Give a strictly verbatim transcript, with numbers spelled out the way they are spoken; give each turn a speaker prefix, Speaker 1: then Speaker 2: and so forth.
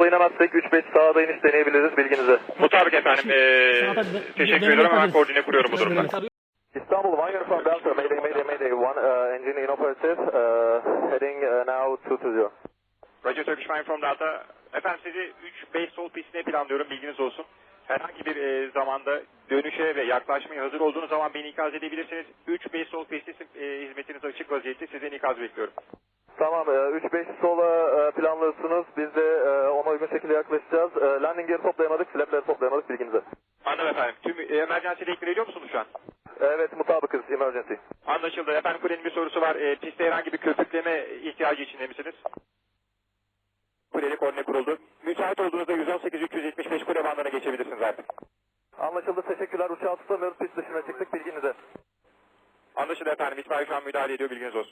Speaker 1: topla inemezsek üç beş sağda iniş deneyebiliriz bilginize.
Speaker 2: Mutabık efendim. Ee, teşekkür ediyorum. Hemen koordine kuruyorum bu durumda.
Speaker 1: İstanbul, one uniform Delta, Mayday, Mayday, Mayday, one uh, engine inoperative, uh, heading uh, now two two zero.
Speaker 2: Roger Turkish Flying from Delta. Efendim sizi üç beş sol pistine planlıyorum, bilginiz olsun. Herhangi bir e, zamanda dönüşe ve yaklaşmaya hazır olduğunuz zaman beni ikaz edebilirsiniz. üç beş sol pisti e, hizmetiniz açık vaziyette, sizden ikaz bekliyorum.
Speaker 1: Tamam, üç beş sola planlıyorsunuz, biz de ona uygun şekilde yaklaşacağız. Landing gear toplayamadık, flapleri toplayamadık bilginize.
Speaker 2: Anladım efendim. Tüm e, emergency deklar ediyor musunuz şu an?
Speaker 1: Evet, mutabıkız, emergency.
Speaker 2: Anlaşıldı. Efendim kulenin bir sorusu var. E, pistte herhangi bir köpükleme ihtiyacı içinde misiniz? Kuleli koordine kuruldu. Müsait olduğunuzda yüz on sekiz üç yüz yetmiş beş kule bandına geçebilirsiniz artık.
Speaker 1: Anlaşıldı, teşekkürler. Uçağı tutamıyoruz, pist dışına çıktık, bilginize.
Speaker 2: Anlaşıldı efendim. İtfaiye şu an müdahale ediyor, bilginiz olsun.